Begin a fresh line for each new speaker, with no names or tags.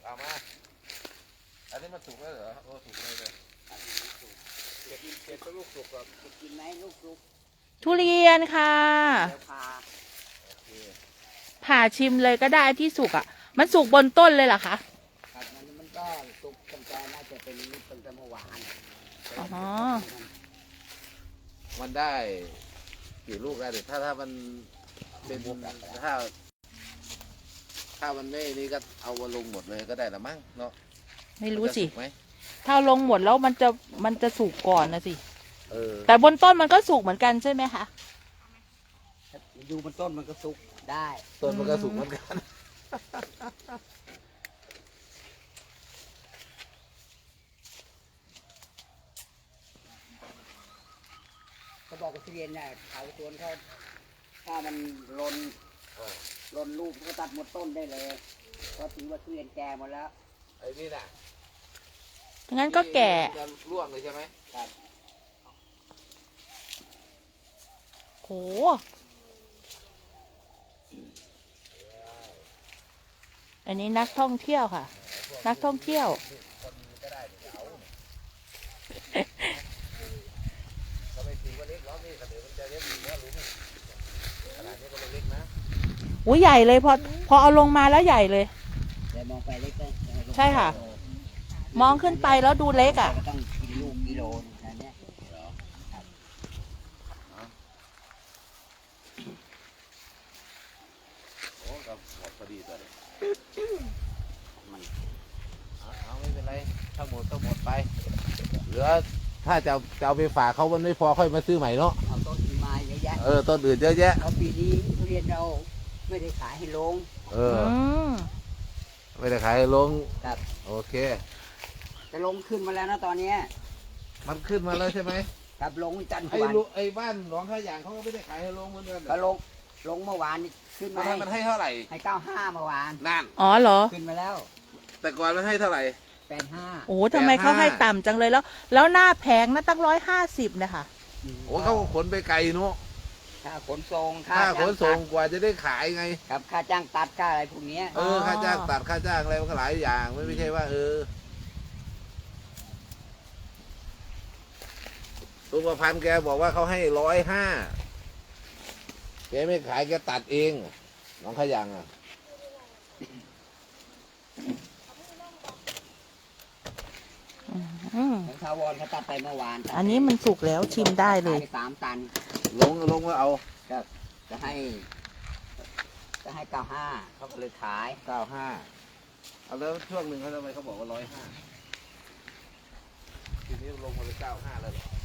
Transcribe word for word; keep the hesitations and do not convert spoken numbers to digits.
เอามาอันนี้มันสุกแล้วเหรอโอ้สุกเลยเลยเก็บเก็บลูกสุกก่อนกินไหมลูกสุก
ทุเรียนค่ะผ่าชิมเลยก็ได้ที่สุกอ่ะมันสุกบนต้นเลยเหรอคะ
ครับมันมันก็สุกตั้งแต่น่าจะเป็นตั้งแต่เมื่อวาน
อ๋อ
มันได้กี่ลูกได้ถ้าถ้ามันเป็นถ้าถ้ามันไม่นี่ก็เอาวลงหมดเลยก็ได้ละมั้งเนาะ
ไม่รู้สิถ้าลงหมดแล้วมันจะมันจะสุกก่อนนะสิ
เออ
แต่บนต้นมันก็สุกเหมือนกันใช่ไหมคะ
อยู่บนต้นมันก็สุกได้
ต้นมันก็สุกเหมือนกัน
เขาบอกว่าทุเรียนเนี่ยเขาสวนเขาถ้ามันลนลนลูกก็ตัดหมดต้นได้เลยเพราะถือว่าทุเรียนแก่หมดแล้ว
ไอ้นี่น่ะ
งั้นก็แก่
จะร่วงเลยใช่ไหม
ครับ
โหอันนี้นักท่องเที่ยวค่ะนักท่องเที่ยว
ก็ไม่ถือว่าเล็กหรอกนี่ขนาดมันจะเล็กอยู่แล้วรู้ไหมขนาดนี้ก็เล็กนะ
อุ้ยใหญ่เลยพอพอเอาลงมาแล้วใหญ่เลย
แต่มองไปเล็กเลย
ใช่ค่ะมองขึ้นไปแล้วดูเล็กอ่ะ
ต้องกินลูกกิโลนะเนี่ย
โอ้กับหมดพอดีตัวเลยมันเอาไม่เป็นไรถ้าหมดก็หมดไปเหลือถ้าจะจะเอาไปฝากเขามันไม่พอค่อยมาซื้อใหม่เนาะ
เอาต้นอื่นมาเยอะแยะ
เออต้นอื่นเยอะแยะ
เอาปีนี้ทุเรียนเราไม่ได้ขายให้ลง
เออไม่ได้ขายให้ลง
ครับ
โอเค
จะลงขึ้นมาแล้วนะตอนนี้
มันขึ้นมาแล้วใช่ไหม
ครับลงจันทร์
ไอ้ลูกไอ้บ้านหนองข้าอย่างเขาก็ไม่ได้ขายให้ลงเหมือนกัน
ก็ลงลงเมื่อวานนี่ขึ้นมา
มันให้เท่าไหร่
ให้เก้าห้าเมื่อวาน
นั่น
อ๋อเหรอ
ขึ้นมาแล้ว
แต่ก่อนมันให้เท่าไหร่
แปดห้า
โอ้ทำไมเขาให้ต่ำจังเลยแล้วแล้วหน้าแพงนะตั้งร้อยห้าสิบนะคะ
โอ้เขาขนไปไกลเนาะ
ค่าขนส่ง
ค่าขนส่งกว่าจะได้ขายไง
ครับค่าจ้างตัดค่าอะไรพวกนี้
เออค่าจ้างตัดค่าจ้างอะไรมันก็หลายอย่างไม่ไม่ใช่ว่าเออลุงประพันธ์แกบอกว่าเขาให้ร้อยห้าแกไม่ขายแกตัดเองน้องขยังอ่ะ
ของทาวรเขาตัดไปเมื่อวาน
อันนี้มันสุกแล้วชิมได้เลย
สามตัน
ลงลงว่าเอา
ก็จะให้จะให้เก้าห้าเขาก็เลยขาย
เก้าห้าเอาแล้วช่วงหนึ่งเขาทำไมเขาบอกว่าร้อยห้าทีนี้ลงมาเลยเก้าห้าแล้วเหรอ